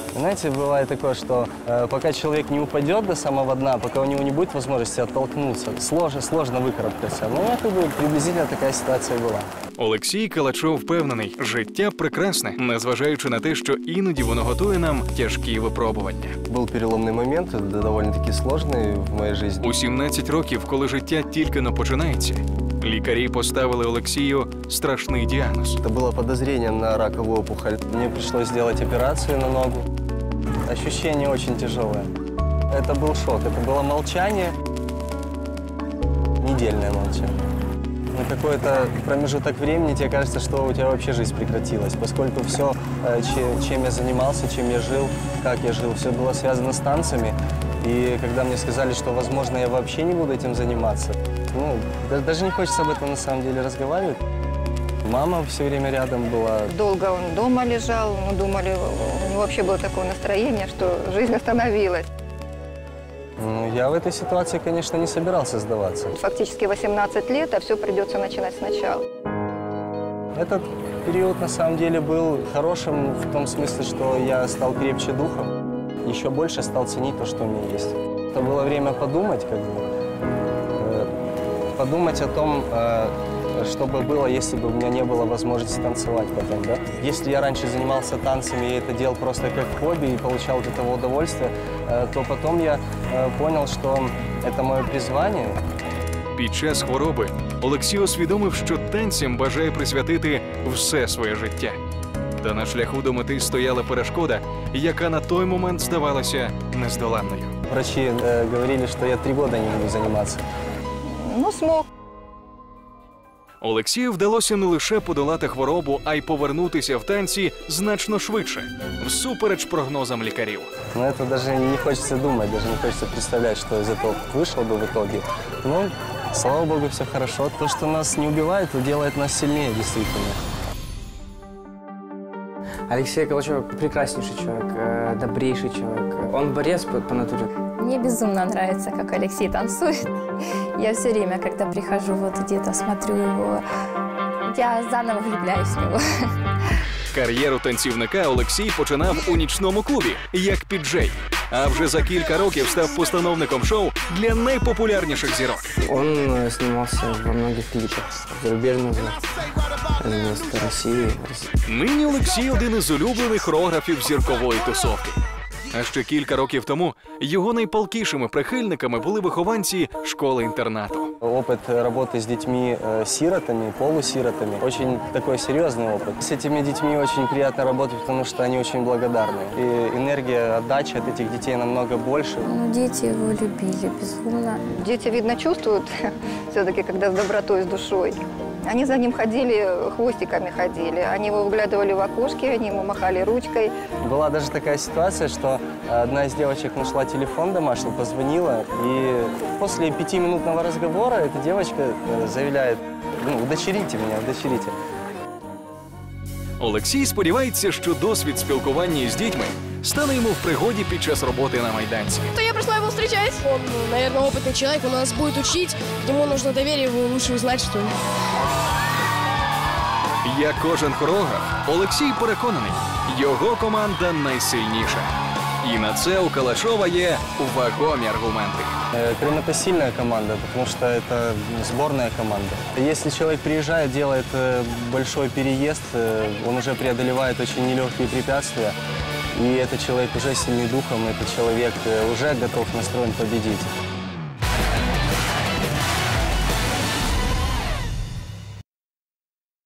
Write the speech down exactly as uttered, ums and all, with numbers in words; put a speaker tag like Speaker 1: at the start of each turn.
Speaker 1: Знаете, бывает такое, что э, пока человек не упадет до самого дна, пока у него не будет возможности оттолкнуться, сложно, сложно выкарабкаться. Ну, это бы приблизительно такая ситуация була.
Speaker 2: Олексій Калачов впевнений, життя прекрасне, незважаючи на те, що іноді воно готує нам тяжкі випробування.
Speaker 1: Був переломний момент, доволі-таки складний в моїй житті.
Speaker 2: У сімнадцять років, коли життя тільки но починається, лікарі поставили Олексію страшний діагноз.
Speaker 1: Це було підозріння на ракову опухоль. Мені прийшлося зробити операцію на ногу. Ощущение очень тяжелое. Это был шок, это было молчание, недельное молчание. На какой-то промежуток времени тебе кажется, что у тебя вообще жизнь прекратилась, поскольку все, чем я занимался, чем я жил, как я жил, все было связано с танцами. И когда мне сказали, что, возможно, я вообще не буду этим заниматься, ну, даже не хочется об этом на самом деле разговаривать. Мама все время рядом была.
Speaker 3: Долго он дома лежал, мы думали, у него вообще было такое настроение, что жизнь остановилась.
Speaker 1: Ну, я в этой ситуации, конечно, не собирался сдаваться.
Speaker 3: Фактически восемнадцать лет, а все придется начинать сначала.
Speaker 1: Этот период, на самом деле, был хорошим в том смысле, что я стал крепче духом, еще больше стал ценить то, что у меня есть. Это было время подумать, как бы, э, подумать о том, э, что бы было, если бы у меня не было возможности танцевать потом, да? Если я раньше занимался танцами и это делал просто как хобби и получал от этого удовольствие, то потом я понял, что это мое призвание.
Speaker 2: Під час хвороби Олексій усвідомив, що танцям бажає присвятити все своє життя. Та на шляху до мети стояла перешкода, яка на той момент здавалася нездоланною.
Speaker 1: Врачи э, говорили, что я три года не буду заниматься.
Speaker 3: Ну, смог.
Speaker 2: Олексію вдалося не лише подолати хворобу, а й повернутися в танці значно швидше, всупереч прогнозам лікарів.
Speaker 1: Но это даже не хочется думать, даже не хочется представлять, что из этого вышло бы в итоге. Но, слава богу, все хорошо. То, что нас не убивает, то делает нас сильнее, действительно.
Speaker 4: Алексей Калачев прекраснейший человек, добрейший человек. Он борец по, по натуре.
Speaker 5: Мне безумно нравится, как Алексей танцует. Я все время, когда прихожу, вот где-то смотрю его, я заново влюбляюсь в него.
Speaker 2: Кар'єру танцівника Олексій починав у нічному клубі, як піджей. А вже за кілька років став постановником шоу для найпопулярніших зірок.
Speaker 4: Он снимался во многих клипах зарубежных, вместо России.
Speaker 2: Нині Олексій один із улюблених хореографів зіркової тусовки. А ще кілька років тому його найпалкішими прихильниками були вихованці школи-інтернату.
Speaker 1: Опыт работы с детьми-сиротами, полусиротами, очень такой серьезный опыт. С этими детьми очень приятно работать, потому что они очень благодарны. И энергия, отдача от этих детей намного больше.
Speaker 5: Ну, дети его любили безумно.
Speaker 3: Дети, видно, чувствуют все-таки, когда с добротой, с душой. Они за ним ходили, хвостиками ходили. Они его выглядывали в окошки, они ему махали ручкой.
Speaker 1: Была даже такая ситуация, что одна из девочек нашла телефон домашний, позвонила, и после пятиминутного разговора эта девочка заявляет: ну, удочерите меня, удочерите.
Speaker 2: Олексій сподівається, що досвід спілкування з дітьми стане йому в пригоді під час роботи на майданці.
Speaker 6: То я пришла его встречать. Он, наверное, опытный человек, он нас будет учить. Ему нужно доверие, его лучше узнать, что ли.
Speaker 2: Як кожен хореограф, Олексій переконаний, його команда найсильніша. І на це у Калачова є вагомі аргументи.
Speaker 1: Крым — это сильная команда, потому что это сборная команда. Если человек приезжает, делает большой переезд, он уже преодолевает очень нелегкие препятствия, и этот человек уже сильный духом, этот человек уже готов настроен победить.